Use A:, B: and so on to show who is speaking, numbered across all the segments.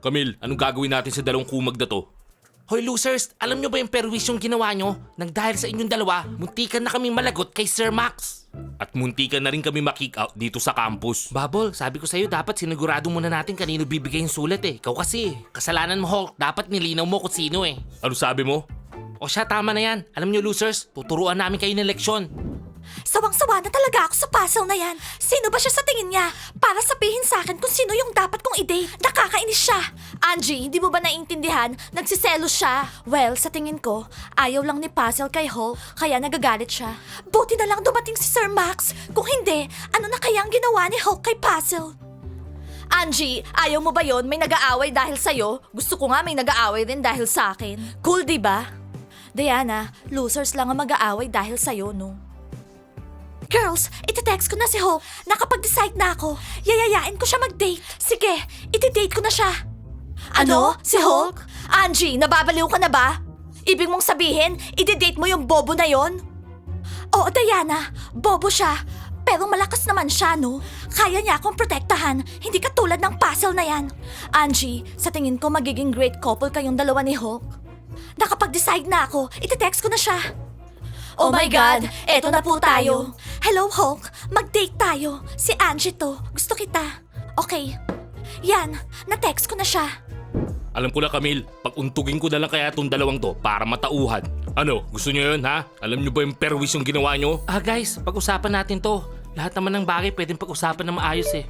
A: Camille, anong gagawin natin sa dalawang kumag na to?
B: Hoy losers, alam nyo ba yung perwis yung ginawa nyo? Nang dahil sa inyong dalawa, muntikan na kaming malagot kay Sir Max.
A: At muntikan na rin kami makick out dito sa campus.
B: Babol, sabi ko sa'yo dapat sinigurado muna natin kanino bibigay yung sulat eh. Ikaw kasi, kasalanan mo Hulk, dapat nilinaw mo kung sino eh.
A: Ano sabi mo?
B: O siya, tama na yan. Alam nyo losers, tuturuan namin kayo ng leksyon.
C: Sawang-sawa na talaga ako sa puzzle na yan. Sino ba siya sa tingin niya? Para sabihin sa akin kung sino yung dapat kong i-date. Nakakainis siya. Angie, hindi mo ba naiintindihan? Nagsiselos siya. Well, sa tingin ko, ayaw lang ni Puzzle kay Hulk, kaya nagagalit siya. Buti na lang dumating si Sir Max. Kung hindi, ano na kaya ang ginawa ni Hulk kay Puzzle? Angie, ayaw mo ba yon? May nag-aaway dahil sa'yo? Gusto ko nga may nag-aaway din dahil sa akin. Cool, di ba? Diana, losers lang ang mag-aaway dahil sa'yo, no? Girls, iti-text ko na si Hulk. Nakapag-decide na ako. Yayayain ko siya mag-date. Sige, iti-date ko na siya. Ano? Si Hulk? Angie, nababaliw ka na ba? Ibig mong sabihin, iti-date mo yung bobo na yon? Oo, Diana. Bobo siya. Pero malakas naman siya, no? Kaya niya akong protektahan. Hindi katulad ng puzzle na yan. Angie, sa tingin ko magiging great couple kayong dalawa ni Hulk. Nakapag-decide na ako. Iti-text ko na siya. Oh my God! Eto na po tayo. Hello, Hulk. Mag-date tayo. Si Angie to. Gusto kita. Okay. Yan. Na-text ko na siya.
A: Alam ko na Camille, pag-untugin ko na lang kaya itong dalawang to para matauhan. Ano, gusto nyo yun ha? Alam nyo ba yung perwis yung ginawa nyo?
B: Guys, pag-usapan natin to. Lahat naman ng bagay pwedeng pag-usapan na maayos eh.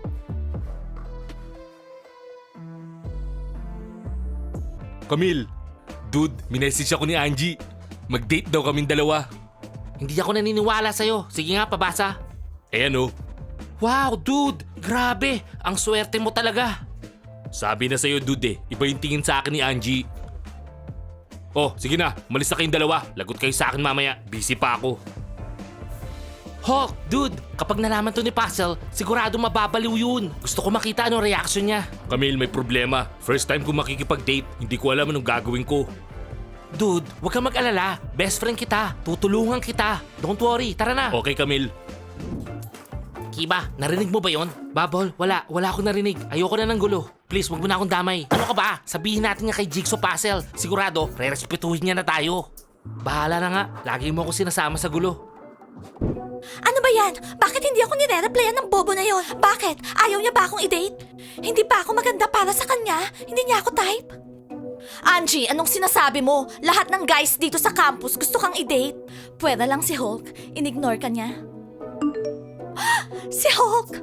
A: Camille, dude, minessage ako ni Angie. Mag-date daw kaming dalawa.
B: Hindi ako naniniwala sa'yo. Sige nga, pabasa.
A: Eh ano?
B: Wow, dude! Grabe! Ang swerte mo talaga.
A: Sabi na sa'yo dude iba yung tingin sa akin ni Angie. Oh, sige na, malis na kayong dalawa. Lagot kayo sa akin mamaya, busy pa ako.
B: Hulk, dude! Kapag nalaman to ni Puzzle, sigurado mababaliw yun. Gusto ko makita anong reaction niya.
A: Camille, may problema. First time ko makikipag-date, hindi ko alam anong gagawin ko.
B: Dude, huwag kang mag-alala. Best friend kita. Tutulungan kita. Don't worry, tara na.
A: Okay, Camille.
B: Kiba, narinig mo ba yon? Babol, wala akong narinig. Ayoko na ng gulo. Please, wag mo na akong damay. Ano ka ba? Sabihin natin nga kay Jigsaw Puzzle. Sigurado, re-respetuhin niya na tayo. Bahala na nga. Lagi mo ako sinasama sa gulo.
C: Ano ba yan? Bakit hindi ako nire-replyan ng bobo na yon? Bakit? Ayaw niya ba akong i-date? Hindi ba ako maganda para sa kanya? Hindi niya ako type? Angie, anong sinasabi mo? Lahat ng guys dito sa campus gusto kang i-date. Pwede lang si Hulk. Inignore ka niya. Si Hulk!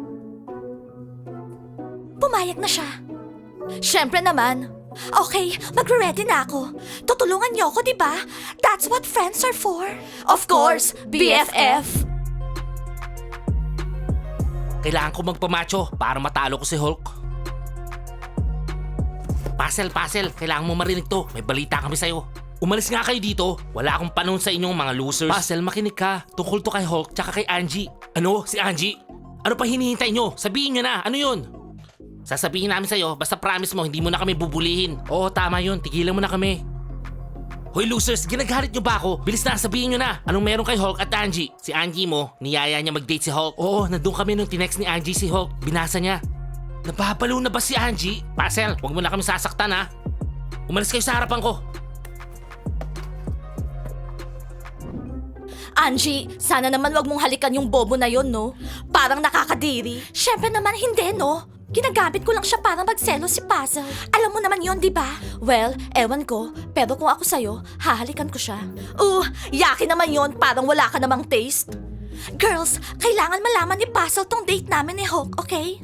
C: Pumayag na siya. Siyempre naman. Okay, magre-ready na ako. Tutulungan niyo ako, di ba? That's what friends are for. Of course, BFF.
B: Kailangan ko magpamacho para matalo ko si Hulk. Puzzle, kailangan mo marinig to. May balita kami sa'yo. Umalis nga kayo dito. Wala akong panahon sa inyong mga losers. Puzzle, makinig ka. Tungkol to kay Hulk tsaka kay Angie. Ano? Si Angie? Ano pa hinihintay nyo? Sabihin nyo na. Ano yun? Sasabihin namin sa'yo, basta promise mo, hindi mo na kami bubulihin. Oo, tama yun. Tigilan mo na kami. Hoy losers, ginagalit nyo ba ako? Bilis na, sabihin nyo na. Anong meron kay Hulk at Angie? Si Angie mo, niyaya niya mag-date si Hulk. Oo, nandun kami nung tinext ni Angie si Hulk. Binasa niya. Nababalo na ba si Angie? Puzzle, huwag mo na kami sasaktan ha. Umalis kayo sa harapan ko.
C: Angie, sana naman wag mong halikan yung bobo na yon, no? Parang nakakadiri. Siyempre naman hindi, no? Ginagamit ko lang siya para magselo si Puzzle. Alam mo naman yon, di ba? Well, ewan ko. Pero kung ako sa'yo, hahalikan ko siya. Yaki naman yon. Parang wala ka namang taste. Girls, kailangan malaman ni Puzzle tong date namin ni Hulk, okay?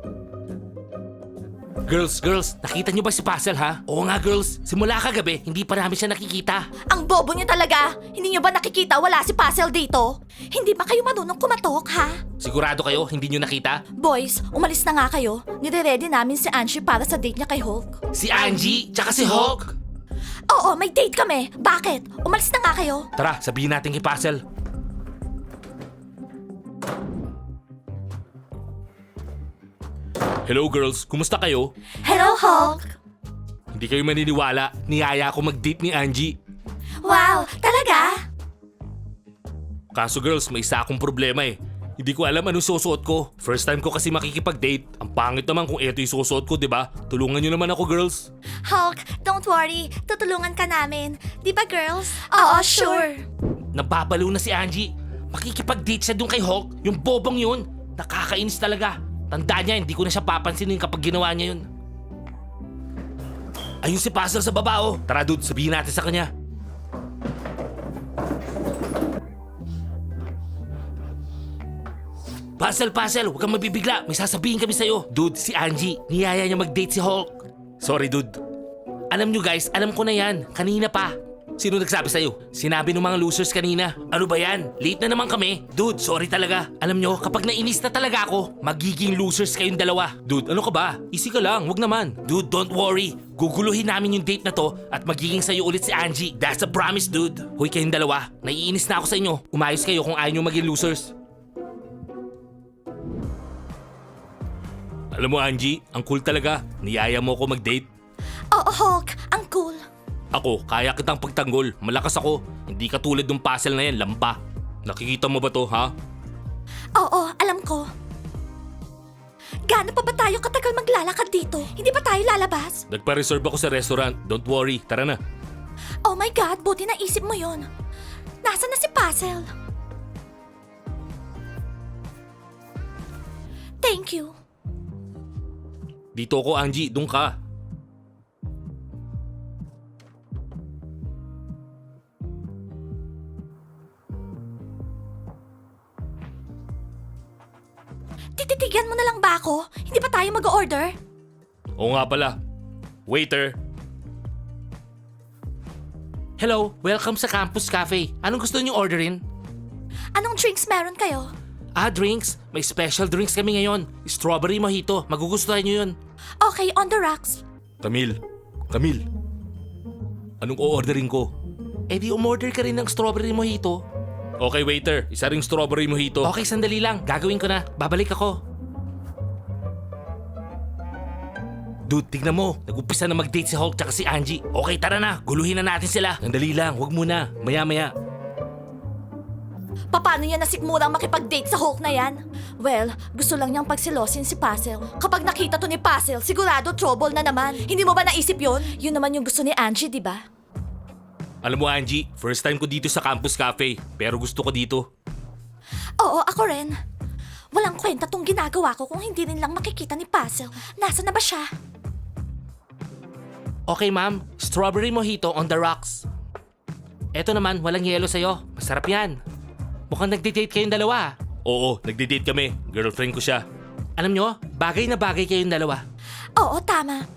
B: Girls, nakita niyo ba si Puzzle ha? Oo nga girls, simula kagabi, hindi pa namin siya nakikita.
C: Ang bobo niyo talaga. Hindi niyo ba nakikita wala si Puzzle dito? Hindi ba kayo marunong kumatok, ha?
B: Sigurado kayo, hindi niyo nakita?
C: Boys, umalis na nga kayo. Nire-ready namin si Angie para sa date niya kay Hulk.
B: Si Angie, tsaka si Hulk?
C: Oo, may date kami. Bakit? Umalis na nga kayo.
B: Tara, sabihin natin kay Puzzle.
A: Hello girls, kumusta kayo?
C: Hello, Hulk.
A: Hindi kayo maniniwala, niyaya ako mag-date ni Angie.
C: Wow, talaga?
A: Kaso girls, may isa akong problema eh. Hindi ko alam anong susuot ko. First time ko kasi makikipag-date. Ang pangit naman kung eto yung susuot ko, di ba? Tulungan nyo naman ako, girls.
C: Hulk, don't worry. Tutulungan ka namin. Di ba, girls? Oo, sure.
B: Nababalo na si Angie. Makikipag-date siya dun kay Hulk. Yung bobong yun. Nakakainis talaga. Tandaan niya, hindi ko na siya papansinin kapag ginawa niya yun. Ayun si Puzzle sa baba, oh.
A: Tara, dude, sabihin natin sa kanya.
B: Puzzle, huwag kang mabibigla. May sasabihin kami sa'yo. Dude, si Angie. Niyaya niya mag-date si Hulk.
A: Sorry, dude.
B: Alam nyo guys, alam ko na yan. Kanina pa. Sino nagsabi sa'yo? Sinabi ng mga losers kanina. Ano ba yan? Late na naman kami. Dude, sorry talaga. Alam nyo, kapag nainis na talaga ako, magiging losers kayong dalawa.
A: Dude, ano ka ba? Easy ka lang, wag naman.
B: Dude, don't worry. Guguluhin namin yung date na to at magiging sa'yo ulit si Angie. That's a promise, dude. Hoy kayong dalawa, naiinis na ako sa inyo. Umayos kayo kung ayaw nyo maging losers.
A: Alam mo, Angie, ang cool talaga. Niyaya mo ako mag-date.
C: Oo, Hulk. Ang cool.
A: Ako, kaya kitang pagtanggol. Malakas ako. Hindi katulad ng puzzle na yan, lampa. Nakikita mo ba to, ha?
C: Oo, alam ko. Gaano pa ba tayo katagal maglalakad dito? Hindi pa tayo lalabas?
A: Nagpa-reserve ako sa restaurant. Don't worry, tara na.
C: Oh my God, buti naisip mo yon. Nasaan na si Puzzle? Thank you.
A: Dito ako, Angie. Doon ka.
C: Tititigyan mo na lang ba ako? Hindi pa tayo mag-order?
A: Oo nga pala. Waiter.
B: Hello, welcome sa Campus Cafe. Anong gusto niyo orderin?
C: Anong drinks meron kayo?
B: Drinks. May special drinks kami ngayon. Strawberry mojito. Magugustuhan niyo yun.
C: Okay, on the rocks.
A: Camille. Anong o-orderin ko?
B: Eh di umorder ka rin ng strawberry mojito.
A: Okay, waiter. Isa ring strawberry mojito.
B: Okay, sandali lang. Gagawin ko na. Babalik ako. Dude, tignan mo. Nag-umpisa na mag-date si Hulk tsaka si Angie. Okay, tara na. Guluhin na natin sila.
A: Sandali lang. Huwag muna. Maya-maya.
C: Paano niya nasikmurang makipag-date sa Hulk na yan? Well, gusto lang niyang pagsilosin si Puzzle. Kapag nakita to ni Puzzle, sigurado trouble na naman. Hindi mo ba naisip yon? Yun naman yung gusto ni Angie, di ba?
A: Alam mo, Angie, first time ko dito sa Campus Cafe. Pero gusto ko dito.
C: Oo, ako rin. Walang kwenta tong ginagawa ko kung hindi rin lang makikita ni Puzzle. Nasaan na ba siya?
B: Okay, ma'am. Strawberry mojito on the rocks. Eto naman, walang yelo sa'yo. Masarap yan. Mukhang nagde-date kayong dalawa.
A: Oo, nagde-date kami. Girlfriend ko siya.
B: Alam nyo, bagay na bagay kayong dalawa.
C: Oo, tama.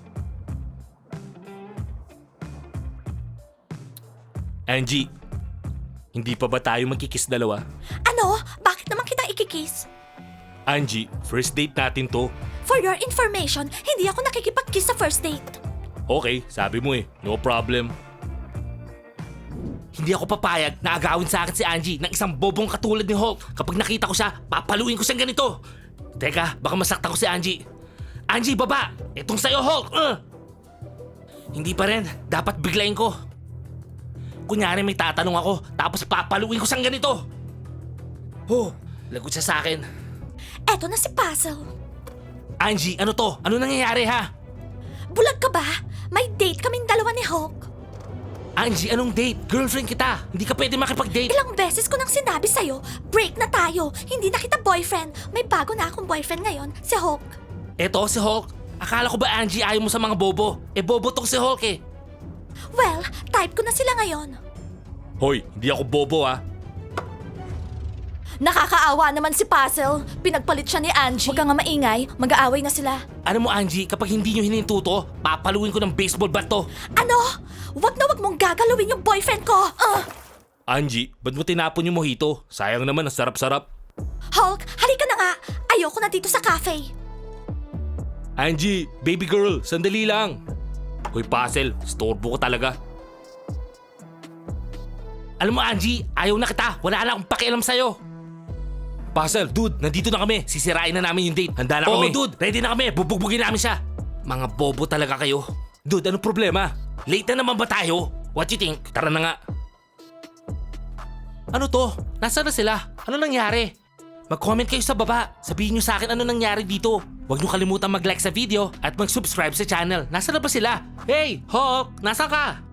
A: Angie, hindi pa ba tayo magkikiss dalawa?
C: Ano? Bakit naman kita ikikiss?
A: Angie, first date natin to.
C: For your information, hindi ako nakikipag-kiss sa first date.
A: Okay, sabi mo eh. No problem.
B: Hindi ako papayag na agawin sa akin si Angie ng isang bobong katulad ni Hulk. Kapag nakita ko siya, papaluin ko siyang ganito. Teka, baka masaktan ko si Angie. Angie, baba! Itong sa'yo, Hulk! Hindi pa rin. Dapat biglayin ko. Kunyari may tatanong ako, tapos papaluin ko siyang ganito. Oh, lagot siya sa akin.
C: Eto na si Puzzle.
B: Angie, ano to? Ano nangyayari ha?
C: Bulag ka ba? May date kaming dalawa ni Hulk.
B: Angie, anong date? Girlfriend kita. Hindi ka pwede makipag-date.
C: Ilang beses ko nang sinabi sa'yo, break na tayo. Hindi na kita boyfriend. May bago na akong boyfriend ngayon, si Hulk.
B: Eto si Hulk. Akala ko ba Angie ayaw mo sa mga bobo? Eh bobo tong si Hulk eh.
C: Well, type ko na sila ngayon.
A: Hoy, hindi ako bobo ah.
C: Nakakaawa naman si Puzzle. Pinagpalit siya ni Angie. Huwag ka nga maingay, mag-aaway na sila.
B: Ano mo Angie, kapag hindi nyo hininto to, papaluin ko ng baseball bat to.
C: Ano? Wag na wag mong gagalawin yung boyfriend ko.
A: Angie, ba't mo tinapon yung mojito? Sayang naman, ang sarap-sarap.
C: Hulk, halika na nga. Ayoko na dito sa cafe.
A: Angie, baby girl, sandali lang. Hoy, Puzzle, storbo ko talaga.
B: Alam mo Angie, ayaw na kita. Wala na akong pakialam sa'yo.
A: Puzzle, dude, nandito na kami.
B: Sisirain na namin yung date.
A: Handa na
B: Oo,
A: kami.
B: dude, ready na kami. Bubugbugin namin siya. Mga bobo talaga kayo.
A: Dude, anong problema?
B: Late na naman ba tayo? What you think?
A: Tara na nga.
B: Ano to? Nasaan na sila? Ano nangyari? Mag-comment kayo sa baba. Sabihin nyo sa akin ano nangyari dito. Huwag nyo kalimutan mag-like sa video at mag-subscribe sa channel. Nasaan na ba sila? Hey, Hulk! Nasaan ka?